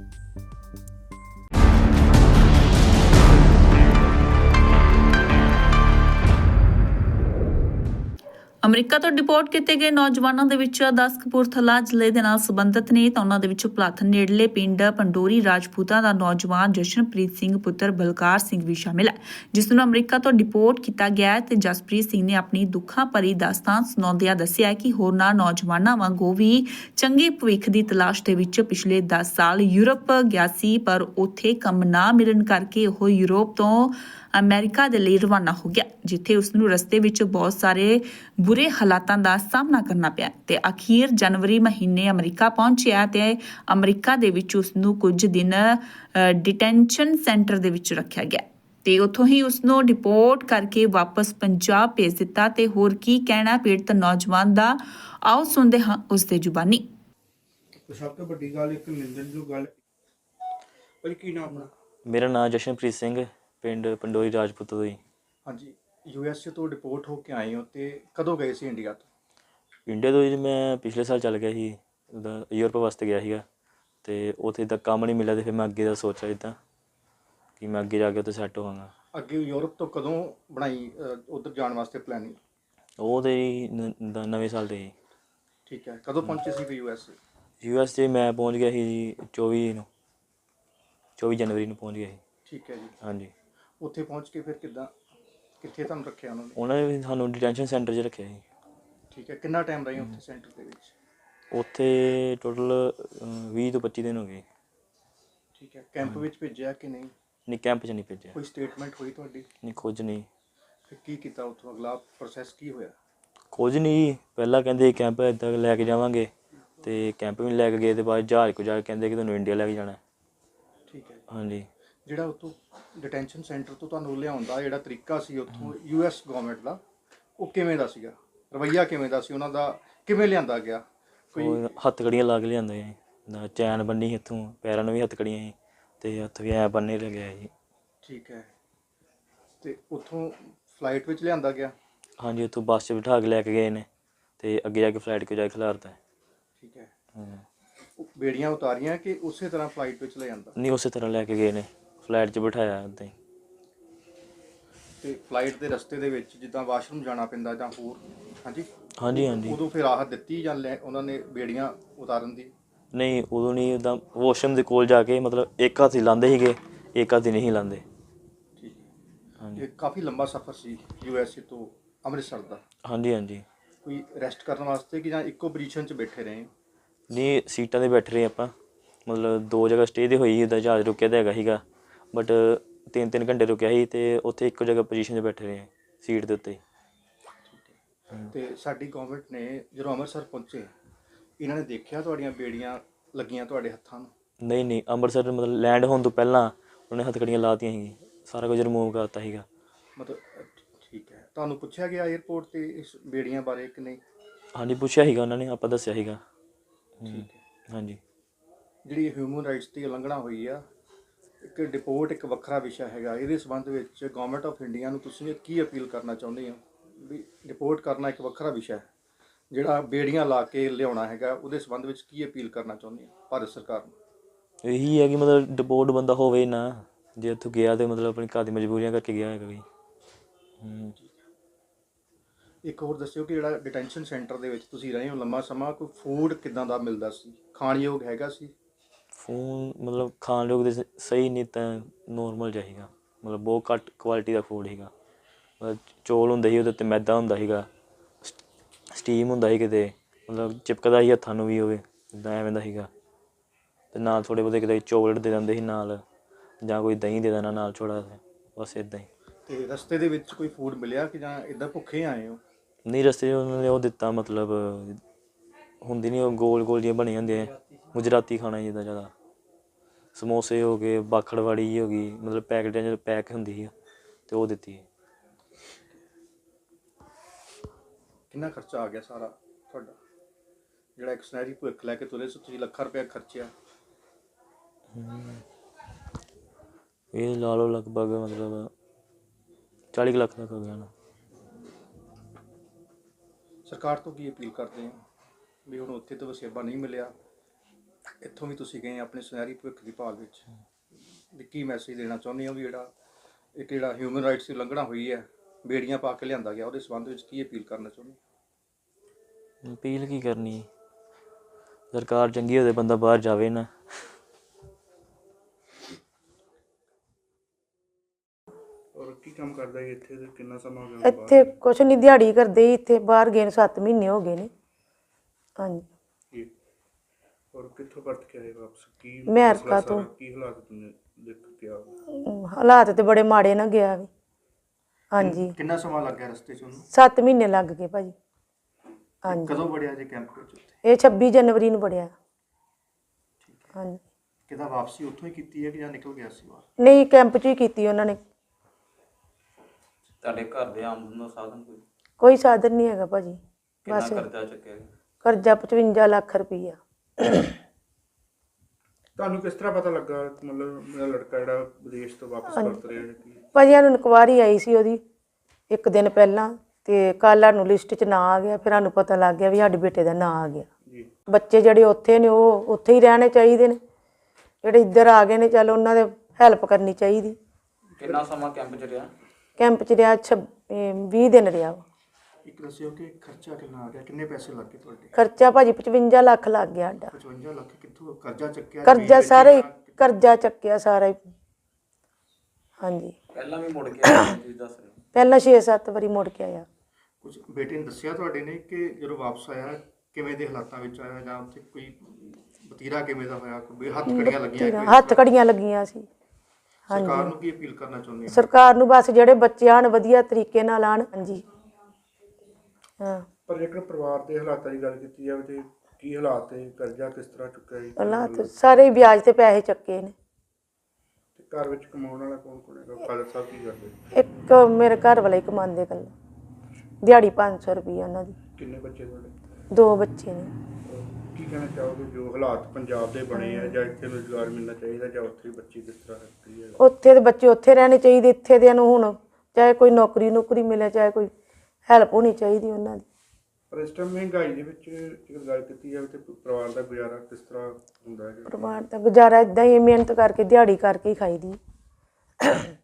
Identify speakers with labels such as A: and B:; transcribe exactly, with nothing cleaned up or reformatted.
A: America ਤੋਂ deport ਕੀਤੇ ਗਏ ਨੌਜਵਾਨਾਂ ਦੇ ਵਿੱਚ ਦਸ ਕਪੂਰਥਲਾ ਜ਼ਿਲ੍ਹੇ ਦੇ ਨਾਲ ਸੰਬੰਧਿਤ ਨੇ ਤਾਂ ਉਹਨਾਂ ਦੇ ਵਿੱਚ ਭਲਾਥਨ ਨੇੜਲੇ ਪਿੰਡ ਪੰਡੋਰੀ ਰਾਜਪੂਤਾਂ ਦਾ ਨੌਜਵਾਨ ਜਸ਼ਨਪ੍ਰੀਤ ਸਿੰਘ ਪੁੱਤਰ ਬਲਕਾਰ ਸਿੰਘ ਵੀ ਸ਼ਾਮਿਲ ਹੈ, ਜਿਸ ਨੂੰ ਅਮਰੀਕਾ ਤੋਂ ਡਿਪੋਰਟ ਕੀਤਾ ਗਿਆ ਹੈ। ਤੇ ਜਸਪ੍ਰੀਤ ਸਿੰਘ ਨੇ ਆਪਣੀ ਦੁੱਖਾਂ ਭਰੀ ਦਾਸਤਾਨ ਸੁਣਾਉਂਦਿਆਂ ਦੱਸਿਆ ਕਿ ਹੋਰਨਾਂ ਨੌਜਵਾਨਾਂ ਵਾਂਗੂ ਵੀ ਚੰਗੇ ਭਵਿੱਖ ਦੀ ਤਲਾਸ਼ ਦੇ ਵਿੱਚ ਪਿਛਲੇ ਦਸ ਸਾਲ ਯੂਰਪ ਗਿਆ ਸੀ, ਪਰ ਉੱਥੇ ਕੰਮ ਨਾ ਮਿਲਣ ਕਰਕੇ ਉਹ ਯੂਰਪ ਤੋਂ ਅਮਰੀਕਾ ਦੇ ਲਈ ਰਵਾਨਾ ਹੋ ਗਿਆ, ਜਿੱਥੇ ਉਸ ਨੂੰ ਰਸਤੇ ਵਿੱਚ ਬਹੁਤ ਸਾਰੇ ਬੁਰੇ ਹਾਲਾਤਾਂ ਦਾ ਸਾਹਮਣਾ ਕਰਨਾ ਪਿਆ ਤੇ ਅਖੀਰ ਜਨਵਰੀ ਮਹੀਨੇ ਅਮਰੀਕਾ ਪਹੁੰਚਿਆ ਤੇ ਅਮਰੀਕਾ ਦੇ ਵਿੱਚ ਉਸ ਨੂੰ ਕੁਝ ਦਿਨ ਡਿਟੈਂਸ਼ਨ ਸੈਂਟਰ ਦੇ ਵਿੱਚ ਰੱਖਿਆ ਗਿਆ ਤੇ ਉੱਥੋਂ ਹੀ ਉਸ ਨੂੰ ਡਿਪੋਰਟ ਕਰਕੇ ਵਾਪਸ ਪੰਜਾਬ ਭੇਜ ਦਿੱਤਾ। ਤੇ ਹੋਰ ਕੀ ਕਹਿਣਾ ਪੀੜਤ ਨੌਜਵਾਨ ਦਾ, ਆਓ ਸੁਣਦੇ ਹਾਂ ਉਸ ਦੇ ਜ਼ੁਬਾਨੀ।
B: ਸਭ ਤੋਂ ਵੱਡੀ ਗੱਲ ਇੱਕ ਨਿੰਦਣ ਜੋ ਗੱਲ ਭਾਈ ਕੀ ਨਾਮ ਆਪਣਾ?
C: ਮੇਰਾ ਨਾਮ ਜਸ਼ਨਪ੍ਰੀਤ ਸਿੰਘ, ਪਿੰਡ ਪੰਡੋਰੀ ਰਾਜਪੂਤ ਤੋਂ ਜੀ।
B: ਹਾਂਜੀ, ਯੂ ਐਸ ਏ ਤੋਂ ਡਿਪੋਰਟ ਹੋ ਕੇ ਆਏ ਹੋ ਤੇ ਕਦੋਂ ਗਏ ਸੀ ਇੰਡੀਆ ਤੋਂ?
C: ਇੰਡੀਆ ਤੋਂ ਜੀ ਮੈਂ ਪਿਛਲੇ ਸਾਲ ਚੱਲ ਗਿਆ ਸੀ, ਉੱਦਾਂ ਯੂਰਪ ਵਾਸਤੇ ਗਿਆ ਸੀਗਾ ਅਤੇ ਉੱਥੇ ਇੱਦਾਂ ਕੰਮ ਨਹੀਂ ਮਿਲਿਆ ਅਤੇ ਫਿਰ ਮੈਂ ਅੱਗੇ ਦਾ ਸੋਚਿਆ ਇੱਦਾਂ ਕਿ ਮੈਂ ਅੱਗੇ ਜਾ ਕੇ ਉੱਥੇ ਸੈੱਟ ਹੋਵਾਂਗਾ।
B: ਅੱਗੇ ਯੂਰਪ ਤੋਂ ਕਦੋਂ ਬਣਾਈ ਉੱਧਰ ਜਾਣ ਵਾਸਤੇ ਪਲੈਨਿੰਗ?
C: ਉਹ ਤਾਂ ਜੀ ਨ- ਦ- ਨਵੇਂ ਸਾਲ 'ਤੇ ਜੀ।
B: ਠੀਕ ਹੈ, ਕਦੋਂ ਪਹੁੰਚੇ ਸੀ ਫਿਰ U S A?
C: U S 'ਚ ਮੈਂ ਪਹੁੰਚ ਗਿਆ ਸੀ ਜੀ ਚੌਵੀ ਨੂੰ ਚੌਵੀ ਜਨਵਰੀ ਨੂੰ ਪਹੁੰਚ ਗਿਆ ਸੀ।
B: ਠੀਕ ਹੈ ਜੀ।
C: ਹਾਂਜੀ,
B: ਉੱਥੇ ਪਹੁੰਚ ਕੇ ਫਿਰ ਕਿੱਦਾਂ, ਕਿੱਥੇ ਤੁਹਾਨੂੰ ਰੱਖਿਆ ਉਹਨਾਂ ਨੇ?
C: ਉਹਨਾਂ ਨੇ ਵੀ ਸਾਨੂੰ ਡਿਟੈਂਸ਼ਨ ਸੈਂਟਰ 'ਚ ਰੱਖਿਆ ਸੀ।
B: ਠੀਕ ਹੈ, ਕਿੰਨਾ ਟਾਈਮ ਰਹੇ ਉੱਥੇ ਸੈਂਟਰ ਦੇ ਵਿੱਚ?
C: ਉੱਥੇ ਟੋਟਲ ਵੀਹ ਤੋਂ ਪੱਚੀ ਦਿਨ ਹੋ ਗਏ।
B: ਠੀਕ ਹੈ, ਕੈਂਪ ਵਿੱਚ ਭੇਜਿਆ ਕਿ ਨਹੀਂ?
C: ਨਹੀਂ, ਕੈਂਪ 'ਚ ਨਹੀਂ ਭੇਜਿਆ।
B: ਕੋਈ ਸਟੇਟਮੈਂਟ ਹੋਈ ਤੁਹਾਡੀ?
C: ਨਹੀਂ, ਕੁਝ ਨਹੀਂ
B: ਫਿਰ ਕੀ ਕੀਤਾ ਉੱਥੋਂ, ਅਗਲਾ ਪ੍ਰੋਸੈਸ ਕੀ ਹੋਇਆ?
C: ਕੁਝ ਨਹੀਂ, ਪਹਿਲਾਂ ਕਹਿੰਦੇ ਕੈਂਪ ਇੱਦਾਂ ਲੈ ਕੇ ਜਾਵਾਂਗੇ ਅਤੇ ਕੈਂਪ ਵੀ ਲੈ ਕੇ ਗਏ ਅਤੇ ਬਾਅਦ ਜਹਾਜ਼ ਕੋ ਜਾ ਕੇ ਕਹਿੰਦੇ ਕਿ ਤੁਹਾਨੂੰ ਇੰਡੀਆ ਲੈ ਕੇ ਜਾਣਾ।
B: ਠੀਕ ਹੈ,
C: ਹਾਂਜੀ।
B: ਜਿਹੜਾ ਉੱਥੋਂ ਡਿਟੈਂਸ਼ਨ ਸੈਂਟਰ ਤੋਂ ਤੁਹਾਨੂੰ ਲਿਆਉਣ ਦਾ ਜਿਹੜਾ ਤਰੀਕਾ ਸੀ ਉੱਥੋਂ ਯੂ ਐਸ ਗਵਰਨਮੈਂਟ ਦਾ, ਉਹ ਕਿਵੇਂ ਦਾ ਸੀਗਾ? ਰਵੱਈਆ ਕਿਵੇਂ ਦਾ ਸੀ ਉਹਨਾਂ ਦਾ? ਕਿਵੇਂ ਲਿਆਂਦਾ ਗਿਆ? ਕੋਈ
C: ਉਹ ਹੱਥਕੜੀਆਂ ਲਾ ਕੇ ਲਿਆਂਦੇ ਸੀ, ਨਾ ਚੈਨ ਬੰਨੀ ਸੀ ਇੱਥੋਂ, ਪੈਰਾਂ ਨੂੰ ਵੀ ਹੱਥਕੜੀਆਂ ਸੀ ਅਤੇ ਹੱਥ ਵੀ ਐਂ ਬੰਨੇ ਲੱਗਿਆ ਸੀ।
B: ਠੀਕ ਹੈ, ਤੇ ਉੱਥੋਂ ਫਲਾਈਟ ਵਿੱਚ ਲਿਆਂਦਾ ਗਿਆ?
C: ਹਾਂਜੀ, ਉੱਥੋਂ ਬੱਸ 'ਚ ਬਿਠਾ ਕੇ ਲੈ ਕੇ ਗਏ ਨੇ ਅਤੇ ਅੱਗੇ ਜਾ ਕੇ ਫਲਾਈਟ 'ਤੇ ਜਾ ਕੇ ਖਿਲਾਰਤਾ।
B: ਠੀਕ ਹੈ,
C: ਹਾਂ,
B: ਉਹ ਬੇੜੀਆਂ ਉਤਾਰੀਆਂ ਕਿ ਉਸੇ ਤਰ੍ਹਾਂ ਫਲਾਈਟ ਵਿੱਚ ਲੈ ਜਾਂਦਾ?
C: ਨਹੀਂ ਉਸੇ ਤਰ੍ਹਾਂ ਲੈ ਕੇ ਗਏ ਨੇ, ਫਲਾਈਟ 'ਚ ਬਿਠਾਇਆ ਉੱਦਾਂ ਹੀ।
B: ਤੇ ਫਲਾਈਟ ਦੇ ਰਸਤੇ ਦੇ ਵਿੱਚ ਜਿੱਦਾਂ ਵਾਸ਼ਰੂਮ ਜਾਣਾ ਪੈਂਦਾ ਜਾਂ ਹੋਰ? ਹਾਂਜੀ
C: ਹਾਂਜੀ ਹਾਂਜੀ
B: ਉਦੋਂ ਫਿਰ ਰਾਹਤ ਦਿੱਤੀ ਜਾਂ ਲੈ ਉਹਨਾਂ ਨੇ ਬੇੜੀਆਂ ਉਤਾਰਨ ਦੀ?
C: ਨਹੀਂ, ਉਦੋਂ ਨਹੀਂ, ਉੱਦਾਂ ਵਾਸ਼ਰੂਮ ਦੇ ਕੋਲ ਜਾ ਕੇ ਮਤਲਬ ਇੱਕ ਹੱਥ ਹੀ ਲਾਉਂਦੇ ਸੀਗੇ, ਇੱਕ ਹੱਥ ਹੀ ਨਹੀਂ ਲਾਉਂਦੇ।
B: ਠੀਕ ਹੈ,
C: ਹਾਂਜੀ
B: ਇਹ ਕਾਫੀ ਲੰਬਾ ਸਫ਼ਰ ਸੀ ਯੂ ਐਸ ਏ ਤੋਂ ਅੰਮ੍ਰਿਤਸਰ ਦਾ।
C: ਹਾਂਜੀ ਹਾਂਜੀ।
B: ਕੋਈ ਰੈਸਟ ਕਰਨ ਵਾਸਤੇ ਕਿ ਜਾਂ ਇੱਕੋ ਪੋਜੀਸ਼ਨ 'ਚ ਬੈਠੇ ਰਹੇ?
C: ਨਹੀਂ, ਸੀਟਾਂ 'ਤੇ ਬੈਠ ਰਹੇ ਆਪਾਂ, ਮਤਲਬ ਦੋ ਜਗ੍ਹਾ ਸਟੇ 'ਤੇ ਹੋਈ ਸੀ, ਉੱਦਾਂ ਜਹਾਜ਼ ਰੁਕਿਆ ਤਾਂ ਹੈਗਾ ਸੀਗਾ, ਬਟ ਤਿੰਨ ਤਿੰਨ ਘੰਟੇ ਰੁਕਿਆ ਸੀ ਅਤੇ ਉੱਥੇ ਇੱਕੋ ਜਗ੍ਹਾ ਪੋਜੀਸ਼ਨ 'ਤੇ ਬੈਠੇ ਰਹੇ ਸੀਟ ਦੇ ਉੱਤੇ।
B: ਤੇ ਸਾਡੀ ਗਵਰਨਮੈਂਟ ਨੇ ਜਦੋਂ ਅੰਮ੍ਰਿਤਸਰ ਪਹੁੰਚੇ, ਇਹਨਾਂ ਨੇ ਦੇਖਿਆ ਤੁਹਾਡੀਆਂ ਬੇੜੀਆਂ ਲੱਗੀਆਂ ਤੁਹਾਡੇ ਹੱਥਾਂ ਨੂੰ?
C: ਨਹੀਂ ਨਹੀਂ, ਅੰਮ੍ਰਿਤਸਰ ਮਤਲਬ ਲੈਂਡ ਹੋਣ ਤੋਂ ਪਹਿਲਾਂ ਉਹਨੇ ਹੱਥਕੜੀਆਂ ਲਾਤੀਆਂ ਸੀ, ਸਾਰਾ ਕੁਝ ਰਿਮੂਵ ਕਰਤਾ ਸੀਗਾ।
B: ਮਤਲਬ ਠੀਕ ਹੈ, ਤੁਹਾਨੂੰ ਪੁੱਛਿਆ ਗਿਆ ਏਅਰਪੋਰਟ 'ਤੇ ਇਸ ਬੇੜੀਆਂ ਬਾਰੇ ਕਿ ਨਹੀਂ?
C: ਹਾਂਜੀ, ਪੁੱਛਿਆ ਸੀਗਾ ਉਹਨਾਂ ਨੇ, ਆਪਾਂ ਦੱਸਿਆ ਸੀਗਾ।
B: ਠੀਕ ਹੈ,
C: ਹਾਂਜੀ।
B: ਜਿਹੜੀ ਹਿਊਮਨ ਰਾਈਟਸ ਦੀ ਉਲੰਘਣਾ ਹੋਈ ਆ, ਇੱਕ ਡਿਪੋਰਟ ਇੱਕ ਵੱਖਰਾ ਵਿਸ਼ਾ ਹੈਗਾ, ਇਹਦੇ ਸੰਬੰਧ ਵਿੱਚ ਗਵਰਨਮੈਂਟ ਆਫ ਇੰਡੀਆ ਨੂੰ ਤੁਸੀਂ ਕੀ ਅਪੀਲ ਕਰਨਾ ਚਾਹੁੰਦੇ ਹੋ? ਵੀ ਡਿਪੋਰਟ ਕਰਨਾ ਇੱਕ ਵੱਖਰਾ ਵਿਸ਼ਾ ਹੈ, ਜਿਹੜਾ ਬੇੜੀਆਂ ਲਾ ਕੇ ਲਿਆਉਣਾ ਹੈਗਾ, ਉਹਦੇ ਸੰਬੰਧ ਵਿੱਚ ਕੀ ਅਪੀਲ ਕਰਨਾ ਚਾਹੁੰਦੇ ਹੋ ਭਾਰਤ ਸਰਕਾਰ ਨੂੰ?
C: ਇਹੀ ਹੈ ਕਿ ਮਤਲਬ ਡਿਪੋਰਟ ਬੰਦਾ ਹੋਵੇ ਨਾ, ਜੇ ਉੱਥੋਂ ਗਿਆ ਤਾਂ ਮਤਲਬ ਆਪਣੀ ਘਰ ਦੀ ਮਜਬੂਰੀਆਂ ਕਰਕੇ ਗਿਆ ਹੈਗਾ ਕੋਈ। ਹੂੰ।
B: ਇੱਕ ਹੋਰ ਦੱਸਿਓ ਕਿ ਜਿਹੜਾ ਡਿਟੈਂਸ਼ਨ ਸੈਂਟਰ ਦੇ ਵਿੱਚ ਤੁਸੀਂ ਰਹੇ ਹੋ ਲੰਮਾ ਸਮਾਂ, ਕੋਈ ਫੂਡ ਕਿੱਦਾਂ ਦਾ ਮਿਲਦਾ ਸੀ? ਖਾਣਯੋਗ ਹੈਗਾ ਸੀ?
C: ਫੋਨ ਮਤਲਬ ਖਾਣ ਲੋਕ ਦੇ ਸਹੀ ਨਹੀਂ ਤਾਂ ਨੋਰਮਲ ਜਿਹਾ ਸੀਗਾ, ਮਤਲਬ ਬਹੁਤ ਘੱਟ ਕੁਆਲਿਟੀ ਦਾ ਫੂਡ ਸੀਗਾ। ਮਤਲਬ ਚੌਲ ਹੁੰਦੇ ਸੀ, ਉਹਦੇ ਉੱਤੇ ਮੈਦਾ ਹੁੰਦਾ ਸੀਗਾ, ਸਟੀਮ ਹੁੰਦਾ ਸੀ ਕਿਤੇ, ਮਤਲਬ ਚਿਪਕਦਾ ਸੀ ਹੱਥਾਂ ਨੂੰ ਵੀ ਹੋਵੇ, ਇੱਦਾਂ ਐਵੇਂ ਦਾ ਸੀਗਾ। ਅਤੇ ਨਾਲ ਥੋੜ੍ਹੇ ਬਹੁਤੇ ਕਿਤੇ ਚੋਕਲੇਟ ਦੇ ਦਿੰਦੇ ਸੀ ਨਾਲ, ਜਾਂ ਕੋਈ ਦਹੀਂ ਦੇ ਦੇਣਾ ਨਾਲ ਥੋੜ੍ਹਾ, ਬਸ ਇੱਦਾਂ ਹੀ।
B: ਤੇ ਰਸਤੇ ਦੇ ਵਿੱਚ ਕੋਈ ਫੂਡ ਮਿਲਿਆ ਕਿ ਜਾਂ ਇੱਦਾਂ ਭੁੱਖੇ ਆਏ ਹੋ?
C: ਨਹੀਂ, ਰਸਤੇ 'ਚ ਉਹਨਾਂ ਨੇ ਉਹ ਦਿੱਤਾ, ਮਤਲਬ ਹੁੰਦੀ ਨਹੀਂ ਉਹ ਗੋਲ ਗੋਲ ਜਿਹੀਆਂ ਬਣੀਆਂ ਹੁੰਦੀਆਂ, ਗੁਜਰਾਤੀ ਖਾਣਾ ਜਿੱਦਾਂ ਜ਼ਿਆਦਾ, ਸਮੋਸੇ ਹੋ ਗਏ, ਬਾਖੜਵਾੜੀ ਜਿਹੀ ਹੋ ਗਈ, ਮਤਲਬ ਪੈਕਟਾਂ 'ਚ ਪੈਕ ਹੁੰਦੀ ਸੀ ਅਤੇ ਉਹ ਦਿੱਤੀ।
B: ਕਿੰਨਾ ਖਰਚਾ ਆ ਗਿਆ ਸਾਰਾ ਤੁਹਾਡਾ, ਜਿਹੜਾ ਇੱਕ ਸੁਨਹਿਰੀ ਭੁੱਖ ਲੈ ਕੇ ਤੁਰੇ ਸੀ ਤੁਸੀਂ ਲੱਖਾਂ ਰੁਪਇਆ ਖਰਚਿਆ?
C: ਇਹ ਲਾ ਲਓ ਲਗਭਗ ਮਤਲਬ ਚਾਲੀ ਕੁ ਲੱਖ ਤੱਕ ਹੋ ਗਿਆ ਨਾ।
B: ਸਰਕਾਰ ਤੋਂ ਕੀ ਅਪੀਲ ਕਰਦੇ ਹੋ ਵੀ ਹੁਣ ਉੱਥੇ ਤਾਂ ਵਸੇਬਾ ਨਹੀਂ ਮਿਲਿਆ, ਇੱਥੋਂ ਵੀ ਤੁਸੀਂ ਗਏ ਆਪਣੇ ਸੁਨਹਿਰੀ ਭਵਿੱਖ ਦੀ ਭਾਲ ਵਿੱਚ, ਵੀ ਕੀ ਮੈਸੇਜ ਦੇਣਾ ਚਾਹੁੰਦੇ ਹੋ ਵੀ ਜਿਹੜਾ ਇੱਕ ਜਿਹੜਾ ਹਿਊਮਨ ਰਾਈਟਸ ਦੀ ਉਲੰਘਣਾ ਹੋਈ ਹੈ, ਬੇੜੀਆਂ ਪਾ ਕੇ ਲਿਆਂਦਾ ਗਿਆ, ਉਹਦੇ ਸੰਬੰਧ ਵਿੱਚ ਕੀ ਅਪੀਲ ਕਰਨਾ ਚਾਹੁੰਦੇ ਹੋ?
C: ਅਪੀਲ ਕੀ ਕਰਨੀ, ਸਰਕਾਰ ਚੰਗੀ ਹੋਵੇ ਬੰਦਾ ਬਾਹਰ ਜਾਵੇ ਨਾ।
B: ਔਰ ਕੀ ਕੰਮ ਕਰਦਾ ਹੈ ਇੱਥੇ ਤੇ ਕਿੰਨਾ ਸਮਾਂ ਹੋ ਗਿਆ
D: ਇੱਥੇ ਕੁਛ ਨਹੀਂ, ਦਿਹਾੜੀ ਕਰਦੇ ਹੀ, ਇੱਥੇ ਬਾਹਰ ਗਏ ਨੂੰ ਸੱਤ ਮਹੀਨੇ ਹੋ ਗਏ ਨੇ। ਹਾਂਜੀ।
B: ਜੀ। ਔਰ ਕਿੱਥੋਂ ਪਰਤ ਕੇ ਆਏ ਵਾਪਸ? ਕੀ
D: ਮੈਂ
B: ਮਸਲਾ
D: ਅਰਕਾ ਤੋਂ।
B: ਸਾਰਾ, ਕੀ ਹਾਲਾਤ ਨੇ ਦੇਖ ਕੇ ਆ?
D: ਅਮ ਹਾਲਾਤ ਤੇ ਬੜੇ ਮਾੜੇ ਨਾ ਗਿਆ ਵੀ। ਹਾਂਜੀ।
B: ਕਿੰਨਾ ਸਮਾਂ ਲੱਗ ਗਿਆ ਰਸਤੇ 'ਚ ਉਹਨੂੰ?
D: ਸੱਤ ਮਹੀਨੇ ਲੱਗ ਗਏ ਭਾਜੀ। ਹਾਂਜੀ।
B: ਕਦੋਂ ਵੜਿਆ ਜੇ ਕੈਂਪ ਵਿੱਚ ਉੱਥੇ?
D: ਇਹ ਛੱਬੀ ਜਨਵਰੀ ਨੂੰ ਬੜਿਆ। ਹਾਂਜੀ।
B: ਕਿਦਾ ਵਾਪਸੀ ਉੱਥੋਂ ਹੀ ਕੀਤੀ ਹੈ ਕਿ ਜਾਂ ਨਿਕਲ ਗਿਆ ਸੀ ਬਾਹਰ?
D: ਨਹੀਂ, ਕੈਂਪ 'ਚ ਹੀ ਕੀਤੀ ਉਹਨਾਂ ਨੇ।
E: ਤੁਹਾਡੇ ਘਰ ਦੇ ਆਮਦਨ ਦਾ ਸਾਧਨ ਕੋਈ?
D: ਕੋਈ ਸਾਧਨ ਨਹੀਂ ਹੈਗਾ ਭਾਜੀ।
E: ਕਿੰਨਾ
D: ਬਸ
E: ਕਰਜ਼ਾ ਚੁੱਕਿਆ ਗਿਆ?
D: ਕਰਜ਼ਾ ਪਚਵੰਜਾ ਲੱਖ ਰੁਪਈਆ।
B: ਤੁਹਾਨੂੰ ਕਿਸ ਤਰ੍ਹਾਂ ਪਤਾ ਲੱਗਾ ਮਤਲਬ ਮੇਰਾ ਲੜਕਾ ਜਿਹੜਾ ਵਿਦੇਸ਼ ਤੋਂ ਵਾਪਸ ਪਰਤ ਰਿਹਾ ਹੈ? ਕੀ
D: ਭਾਜੀ ਸਾਨੂੰ ਇਨਕੁਆਰੀ ਆਈ ਸੀ ਉਹਦੀ ਇੱਕ ਦਿਨ ਪਹਿਲਾਂ, ਤੇ ਕੱਲ੍ਹ ਸਾਨੂੰ ਲਿਸਟ 'ਚ ਨਾਂ ਆ ਗਿਆ। ਫਿਰ ਸਾਨੂੰ ਪਤਾ ਲੱਗ ਗਿਆ ਵੀ ਸਾਡੇ ਬੇਟੇ ਦਾ ਨਾਂ ਆ ਗਿਆ।
B: ਜੀ।
D: ਬੱਚੇ ਜਿਹੜੇ ਉੱਥੇ ਨੇ ਉਹ ਉੱਥੇ ਹੀ ਰਹਿਣੇ ਚਾਹੀਦੇ ਨੇ, ਜਿਹੜੇ ਇੱਧਰ ਆ ਗਏ ਨੇ ਚੱਲ ਉਹਨਾਂ ਦੇ ਹੈਲਪ ਕਰਨੀ ਚਾਹੀਦੀ।
E: ਕਿੰਨਾ ਸਮਾਂ ਕੈਂਪ 'ਚ ਰਿਹਾ?
D: ਕੈਂਪ 'ਚ ਰਿਹਾ ਛ ਵੀਹ ਦਿਨ ਰਿਹਾ ਵਾ।
B: ਇੱਕ ਦੱਸਿਓ ਕਿ ਖਰਚਾ ਕਿੰਨਾ ਆ ਗਿਆ, ਕਿੰਨੇ ਪੈਸੇ ਲੱਗ ਗਏ ਤੁਹਾਡੇ?
D: ਖਰਚਾ ਭਾਜੀ ਪਚਵੰਜਾ ਲੱਖ ਲੱਗ ਗਿਆ ਸਾਡਾ।
B: ਪਚਵੰਜਾ ਲੱਖ ਕਿੱਥੋਂ ਕਰਜ਼ਾ ਚੱਕਿਆ?
D: ਕਰਜ਼ਾ ਸਾਰਾ ਹੀ ਕਰਜ਼ਾ ਚੱਕਿਆ ਸਾਰਾ ਹੀ। ਹਾਂਜੀ।
E: ਪਹਿਲਾਂ ਵੀ ਮੁੜ ਕੇ ਆਇਆ ਤੁਸੀਂ ਦੱਸ ਰਹੇ ਹੋ?
D: ਪਹਿਲਾਂ ਛੇ ਸੱਤ ਵਾਰੀ ਮੁੜ ਕੇ ਆਇਆ।
B: ਕੁਝ ਬੇਟੇ ਨੇ ਦੱਸਿਆ ਤੁਹਾਡੇ ਨੇ ਕਿ ਜਦੋਂ ਵਾਪਸ ਆਇਆ ਕਿਵੇਂ ਦੇ ਹਾਲਾਤਾਂ ਵਿੱਚ ਆਇਆ, ਜਾਂ ਉੱਥੇ ਕੋਈ ਵਤੀਰਾ ਕਿਵੇਂ ਦਾ ਹੋਇਆ, ਕੋਈ ਹੱਥ ਕੜੀਆਂ ਲੱਗੀਆਂ? ਕੋਈ
D: ਹੱਥ ਕੜੀਆਂ ਲੱਗੀਆਂ ਸੀ।
B: ਸਰਕਾਰ ਨੂੰ ਕੀ ਅਪੀਲ ਕਰਨਾ ਚਾਹੁੰਦੇ ਹੋ?
D: ਸਰਕਾਰ ਨੂੰ ਬਸ ਜਿਹੜੇ ਬੱਚੇ ਆਣ ਵਧੀਆ ਤਰੀਕੇ ਨਾਲ ਆਣ। ਹਾਂਜੀ। ਹਾਂ।
B: ਪਰ ਜੇਕਰ ਪਰਿਵਾਰ ਦੇ ਹਾਲਾਤਾਂ ਦੀ ਗੱਲ ਕੀਤੀ ਜਾਵੇ ਤੇ ਕੀ ਹਾਲਾਤ ਹੈ, ਕਰਜ਼ਾ ਕਿਸ ਤਰ੍ਹਾਂ ਚੁੱਕਿਆ ਜੀ?
D: ਹਾਲਾਤ ਸਾਰੇ ਹੀ ਵਿਆਜ ਤੇ ਪੈਸੇ ਚੱਕੇ ਨੇ।
B: ਤੇ ਘਰ ਵਿੱਚ ਕਮਾਉਣ ਵਾਲਾ ਕੌਣ ਕੌਣ ਹੈਗਾ? ਫਾਦਰ ਸਾਹਿਬ ਕੀ ਕਰਦੇ?
D: ਇੱਕ ਮੇਰੇ ਘਰ ਵਾਲਾ ਹੀ ਕਮਾਉਂਦੇ ਕੱਲਾ, ਦਿਹਾੜੀ ਪੰਜ ਸੌ ਰੁਪਈਆ ਉਹਨਾਂ ਦੀ।
B: ਕਿੰਨੇ ਬੱਚੇ ਤੁਹਾਡੇ?
D: ਦੋ ਬੱਚੇ ਨੇ।
B: ਕੀ ਕਹਿਣਾ ਚਾਹੋਗੇ ਜੋ ਹਾਲਾਤ ਪੰਜਾਬ ਦੇ ਬਣੇ ਆ, ਜਾਂ ਇੱਥੇ ਰੁਜ਼ਗਾਰ ਮਿਲਣਾ ਚਾਹੀਦਾ, ਜਾਂ ਉੱਥੇ ਬੱਚੀ ਕਿਸ ਤਰ੍ਹਾਂ ਹੈ?
D: ਉੱਥੇ ਦੇ ਬੱਚੇ ਉੱਥੇ ਰਹਿਣੇ ਚਾਹੀਦੇ, ਇੱਥੇ ਦੇ ਨੂੰ ਹੁਣ ਚਾਹੇ ਕੋਈ ਨੌਕਰੀ ਨੌਕਰੀ ਮਿਲੇ, ਚਾਹੇ ਕੋਈ ਹੈਲਪ ਹੋਣੀ ਚਾਹੀਦੀ ਉਹਨਾਂ ਦੀ।
B: ਪਰ ਇਸ ਟਾਈਮ ਮਹਿੰਗਾਈ ਦੇ ਵਿੱਚ ਜੇਕਰ ਗੱਲ ਕੀਤੀ ਜਾਵੇ ਤੇ ਪਰਿਵਾਰ ਦਾ ਗੁਜ਼ਾਰਾ ਕਿਸ ਤਰ੍ਹਾਂ ਹੁੰਦਾ ਹੈ?
D: ਪਰਿਵਾਰ ਦਾ ਗੁਜ਼ਾਰਾ ਇਦਾਂ ਹੀ ਮਿਹਨਤ ਕਰਕੇ ਦਿਹਾੜੀ ਕਰਕੇ ਹੀ ਖਾਈਦੀ।